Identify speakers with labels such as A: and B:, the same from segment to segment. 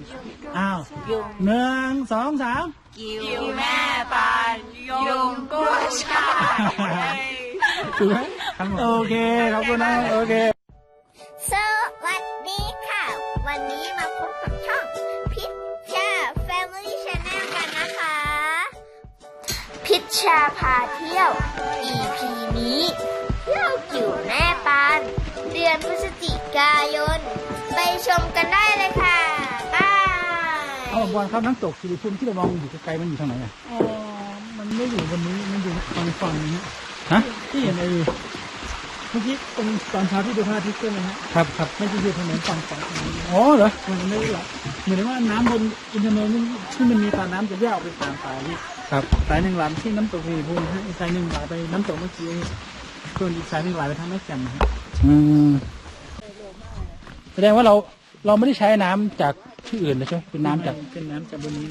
A: อ้าวหนึ่งสองสาม
B: กิวแม่ปานยุงกุ้ยช่าย
A: ถูกไหมโอเคขอบคุณนะโอเค
C: สวัสดีค่ะ วันนี้มาพบกับช่องพิชชา Family Channel กันนะคะ พิชชาพาเที่ยว EP นี้เที่ยวกิ่วแม่ปานเดือนพฤศจิกายน ไปชมกันได้เลยค่ะบาย
A: เอาบอลครับน้ำตกสิริภูมิที่เรามองอยู่ไกลๆมันอยู่ทางไหนอ่ะอ๋อมันไม่อยู่บนนี้มันอยู่ฝั่งนี้ฮะที่เห็นไอ้เมื่อกี้ตอนเช้าที่ดูพระอาทิตย์ใช่ไหมฮะครับไม่ใช่อยู่ถนนฝั่งอ๋อเหรอมันไม่ได้หรอเหมือนว่าน้ำบนอินทนนท์ที่มันมีตาน้ำจะแยกออกเป็นสามสายที่ครับสายหนึ่งไหลที่น้ำตกสิริภูมิอีกสายหนึ่งไหลไปน้ำตกเมื่อกี้ส่วนอีกสายหนึ่งไหลไปทางแม่แจ่มนะฮะแสดงว่าเราไม่ได้ใช้น้ำจากที่อื่นเลยใช่ไหมเป็นน้ำจากบนนี้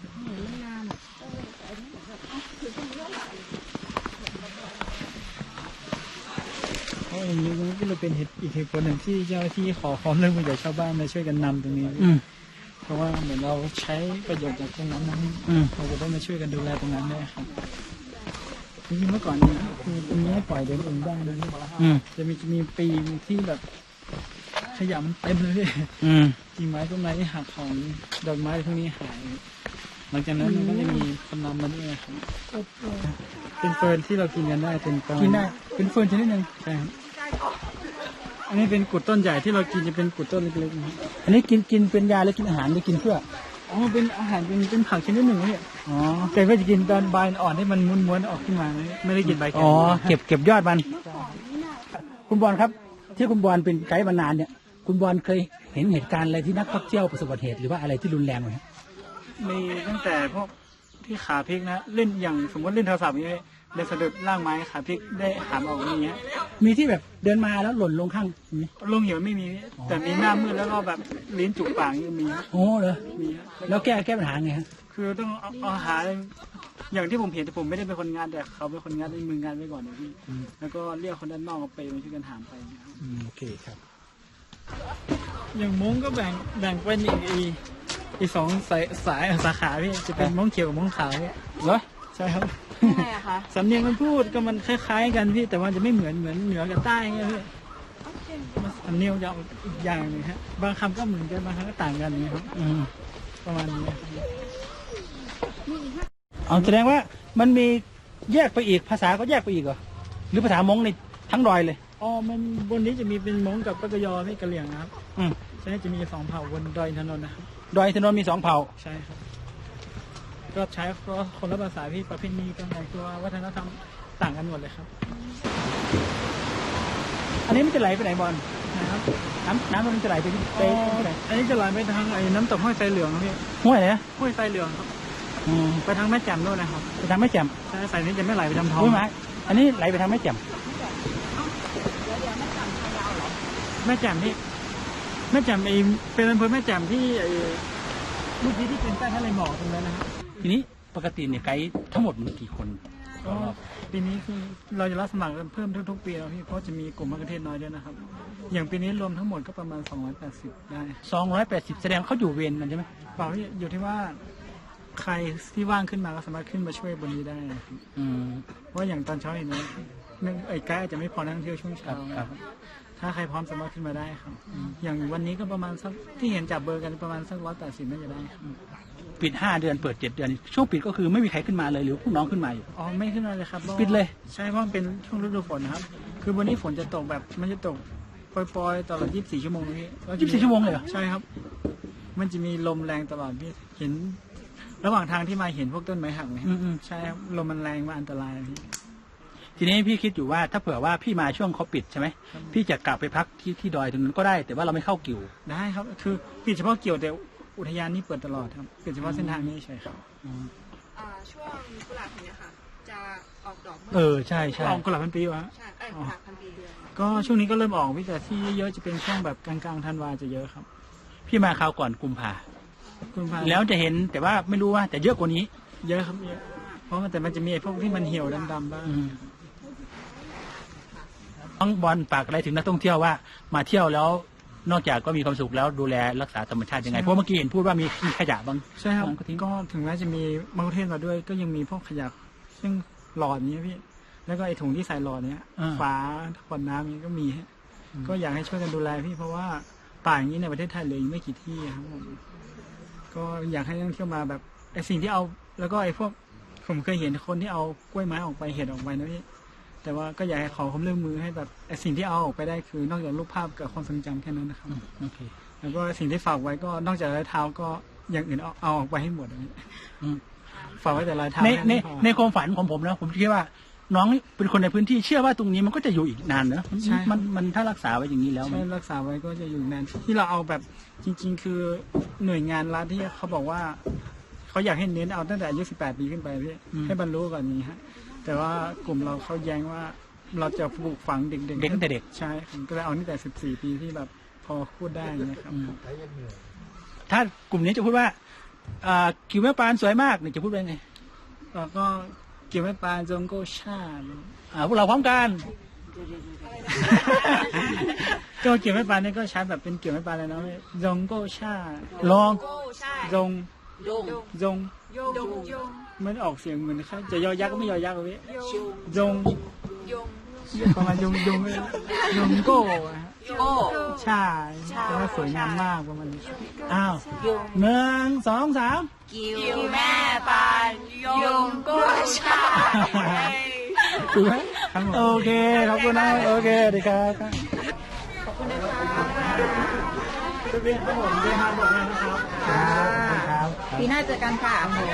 A: เพราะอย่างนี้ก็เลยเป็นอีกเหตุผลหนึ่งที่เจ้าหน้าที่ขอความร่วมมือจากชาวบ้านมาช่วยกันนำตรงนี้เพราะว่าเหมือนเราใช้ประโยชน์จากตรงนั้นเราจะต้องมาช่วยกันดูแลตรงนั้นด้วยครับจริงๆเมื่อก่อนนี้คือตรงนี้ปล่อยเดินเองได้นะจะมีปีที่แบบขยะมันเต็มเลยพี่กิ่งไม้ต้นไม้ที่หักของดอกไม้พวกนี้หายหลังจากนั้นมันก็จะมีคนนำมาด้วยครับเป็นเฟิร์นที่เรากินกันได้เป็นกินได้เป็นเฟิร์นชนิดหนึ่งใช่ครับอันนี้เป็นกุดต้นใหญ่ที่เรากินจะเป็นกุดต้นเล็กๆอันนี้กินเป็นยาหรือกินอาหารหรือกินเพื่ออ๋อเป็นอาหารเป็นผักชนิดหนึ่งเนี่ยอ๋อแต่ก็จะกินตอนใบอ่อนที่มันม้วนๆออกขึ้นมาไม่ได้กินใบแก่อ๋อเก็บยอดมันคุณบอลครับที่คุณบอลเป็นไกด์มานานเนี่ยคุณบอลเคยเห็นเหตุการณ์อะไรที่นักท่องเที่ยวประสบอุบัติเหตุหรือว่าอะไรที่รุนแรงไหมมีตั้งแต่พวกที่ขาพลิกนะเล่นอย่างสมมติเล่นโทรศัพท์อย่างนี้ได้สะดุดล่างไม้ขาพลิกได้หามออกอย่างเงี้ยมีที่แบบเดินมาแล้วหล่นลงข้างลงเหวไม่มีแต่มีหน้ามืดแล้วก็แบบลิ้นจุกปากยังมีโอ้เหรอมีแล้วแก้ปัญหาไงฮะคือต้องเอาหาอย่างที่ผมเห็นแต่ผมไม่ได้เป็นคนงานแต่เขาเป็นคนงานในมืองานไว้ก่อนนะพี่แล้วก็เรียกคนด้านนอกไปมาช่วยกันหามไปโอเคครับอย่างม้งก็แบ่งเป็นอีกสองสายสาขาพี่จะเป็นม้งเขียวกับม้งขาวพี่เหรอใช่ครับ
B: ยังไงอะคะ
A: สำเนียงมันพูดก็มันคล้ายๆกันพี่แต่ว่าจะไม่เหมือนเหนือกับใต้เงี้ยพี่สำเนียงจะอีกอย่างนึงฮะบางคำก็เหมือนกันบางคำก็ต่างกันนี่ครับประมาณนี้เอาแสดงว่ามันมีแยกไปอีกภาษาก็แยกไปอีกเหรอหรือภาษามงในทั้งดอยเลยอ๋อมันบนนี้จะมีเป็นมงกับปะกยอไม่กะเหรี่ยงนะครับใช่จะมี2 เผ่าบนดอยอินทนนท์นะครับดอยอินทนนท์มี2 เผ่าใช่ครับก็ใช้เพราะคนละภาษาที่ประเพณีการแต่งตัววัฒนธรรมต่างกันหมดเลยครับอันนี้มันจะไหลไปไหนบอลนะครับน้ำมันจะไหลไปที่ไหนอันนี้จะไหลไปทางไอ้น้ำตกห้วยไซเหลืองครับพี่ห้วยไหนนะห้วยไซเหลืองครับไปทางแม่แจ่มด้วยนะครับไปทางแม่แจ่มใช่สายนี้จะไม่ไหลไปทางทองไหมอันนี้ไหลไปทางแม่แจ่มแม่แจ่มนี่แม่แจ่มเป็นอำเภอแม่แจ่มที่เมื่อกี้ที่เป็นใต้ทะเลหมอกตรงนั้นนะครับทีนี้ปกติเนี่ยไกด์ทั้งหมดมีกี่คนปีนี้คือเราจะรับสมัครเพิ่มทุกๆปีแล้วพี่เพราะจะมีกลุ่มมะเขือเทศน้อยด้วยนะครับอย่างปีนี้รวมทั้งหมดก็ประมาณ280ได้280แสดงเขาอยู่เวรมันใช่ไหมเปล่าอยู่ที่ว่าใครที่ว่างขึ้นมาก็สามารถขึ้นมาช่วยบนนี้ได้เพราะอย่างตอนเช้าเห็นนะไอ้ไกด์อาจจะไม่พอนักท่องเที่ยวช่วงเช้าถ้าใครพร้อมสามารถขึ้นมาได้ครับอย่างวันนี้ก็ประมาณสักที่เห็นจับเบอร์กันประมาณสัก180น่าจะได้ครับปิด5 เดือนเปิด7 เดือนช่วงปิดก็คือไม่มีใครขึ้นมาเลยหรือพวกน้องขึ้นมาอยู่อ๋อไม่ขึ้นมาเลยครับปิดเลยใช่เพราะมันเป็นช่วงฤดูฝนนะครับคือวันนี้ฝนจะตกแบบมันจะตกปล่อยๆตลอด24 ชั่วโมงนี่24 ชั่วโมงเลยเหรอใช่ครับมันจะมีลมแรงตลอดพี่เห็นระหว่างทางที่มาเห็นพวกต้นไม้หักไหมใช่ครับลมมันแรงมาอันตรายพี่ทีนี้พี่คิดอยู่ว่าถ้าเผื่อว่าพี่มาช่วงเขาปิดใช่ไหมพี่จะกลับไปพักที่ดอยตรงนั้นก็ได้แต่ว่าเราไม่เข้ากิ่วได้ครับคือปิดเฉพาะกิ่วแต่อุทยานนี้เปิดตลอดครับปิดเฉพาะเส้นทางนี้ใช่ครับ
B: ช่วงกุหลาบเนี่ยค่ะจะออกดอก
A: ใช่ออกกุหลาบพันปีวะ
B: ใช่กุหลาบพันปีเดือน
A: ก็ช่วงนี้ก็เริ่มออกพี่แต่ที่เยอะจะเป็นช่วงแบบกลางธันวาจะเยอะครับพี่มาคราวก่อนกุมภาแล้วจะเห็นแต่ว่าไม่รู้ว่าแต่เยอะกว่านี้เยอะครับเยอะเพราะแต่มันจะมีไอ้พวกที่มันเหี่ยวดำๆบ้างน้องบอลฝากอะไรถึงนักท่องเที่ยวว่ามาเที่ยวแล้ว
D: นอกจากก็มีความสุขแล้วดูแลรักษาธรรมชาติยังไงเพราะเมื่อกี้เห็นพูดว่ามีขยะบ้าง
A: ใช่ครับ
D: ก็ทิ้ง
A: ก็ถึงแม้จะมีมะกุเทศมาด้วยก็ยังมีพวกขยะซึ่งหลอดนี้พี่แล้วก็ไอ้ถุงที่ใส่หลอดเนี้ยฝาขวดน้ำนี้ก็มีฮะก็อยากให้ช่วยกันดูแลพี่เพราะว่าป่าอย่างนี้ในประเทศไทยเหลืออีกไม่กี่ที่ครับผมก็อยากให้นักท่องเที่ยวมาแบบไอ้สิ่งที่เอาแล้วก็ไอ้พวกผมเคยเห็นคนที่เอากล้วยไม้ออกไปเห็ดออกไปนะพี่แต่ว่าก็อยากให้ขอความร่วมมือให้แบบไอ้สิ่งที่เอาออกไปได้คือนอกจากรูปภาพกับความทรงจำแค่นั้นนะครับ
D: โอเค
A: แล้วก็สิ่งที่ฝากไว้ก็นอกจากรอยเท้าก็อย่างอื่นเอาออกไปให้หมดอันนี้
D: อืม
A: ฝากไว้แต่รอยเท้า
D: ใน
A: แค่
D: ใน
A: พอ
D: ในความฝันของผมนะผมคิดว่าน้องเป็นคนในพื้นที่เชื่อว่าตรงนี้มันก็จะอยู่อีกนานเนอะ
A: ใช่
D: มันถ้ารักษาไว้อย่างนี้แล้วมั
A: ใช่
D: น
A: รักษาไว้ก็จะอยู่นานที่เราเอาแบบจริง ๆ คือหน่วยงานรัฐที่เขาบอกว่าเขาอยากให้เน้นเอาตั้งแต่อายุ18 ปีขึ้นไปพี่ให้บรรลุก่อนนี้ฮะแต่ว่ากลุ่มเราเขาแย้งว่าเราจะปลูกฝังเด็ก
D: เด็กตั้งแต่เด็ก
A: ใช่ผมก็เลยเอาตั้งแต่14 ปีที่แบบพอพูดได้นะครับ
D: ถ้ากลุ่มนี้จะพูดว่ากิวแม่ปานสวยมากเนี่ยจะพูดว่าไง
A: แล้วก็เกี่ยวไม่ปานจงโกชาติ
D: พวกเราพร้อมกัน
A: ก็เกี่ยวไม่ปานนี่ก็ใช้แบบเป็นเกี่ยวไม่ปานเลยนะจงโกชา
D: ลอง
B: โก้ใช่
A: จง
B: ยง
A: จง
B: ยงยง
A: มันออกเสียงเหมือนใครจะยอยักษ์ก็ไม่ยอยักษ์เลยจง
B: ยง
A: ประมาณยงโก้อะฮะ
B: โก้
A: ใช่แต่ว่าสวยงามมากประมาณนี้
D: อ้าว1 2 3
B: กิวแม่ปานยงโก้ใช่
D: ถูกไหม
A: ครับผม
D: โอเคขอบคุณนะโอเคดีครับ
A: เรียนครับผมเรียนมาบอกงานนะครับ
D: ครับ
B: ปีหน้าเจอกันค่ะ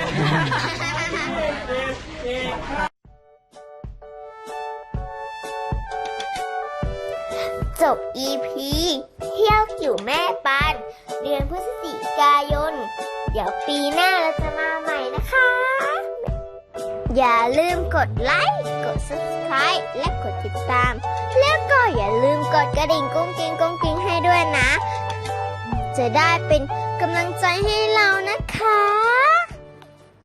C: จบ EP เที่ยวกิ่วแม่ปานเดือนพฤศจิกายน เดี๋ยวปีหน้าเราจะมาใหม่นะคะ อย่าลืมกดไลค์ กด subscribe และกดติดตาม แล้วก็อย่าลืมกดกระดิ่งกุ้งกิ้งให้ด้วยนะ จะได้เป็นกำลังใจให้เรานะคะ